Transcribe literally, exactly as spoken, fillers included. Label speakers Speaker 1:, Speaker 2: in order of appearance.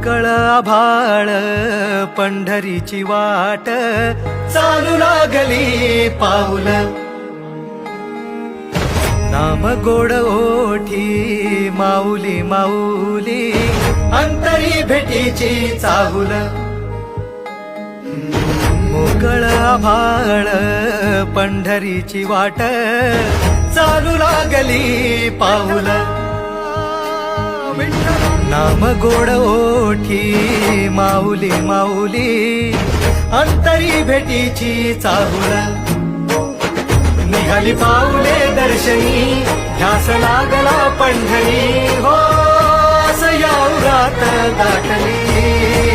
Speaker 1: मोकळ आभाळ पंढरीची वाट चालू लागली पाऊल नाम गोड ओठी माऊली माऊली अंतरी भेटीची चाहुल मोकळ आभाळ पंढरीची वाट चालू लागली पाऊल नाम गोड ओठी माऊली माऊली अंतरी भेटीची चाहुल निघाली पाऊले दर्शनी ध्यास लागला पंढरी हो असं या उरात गाठली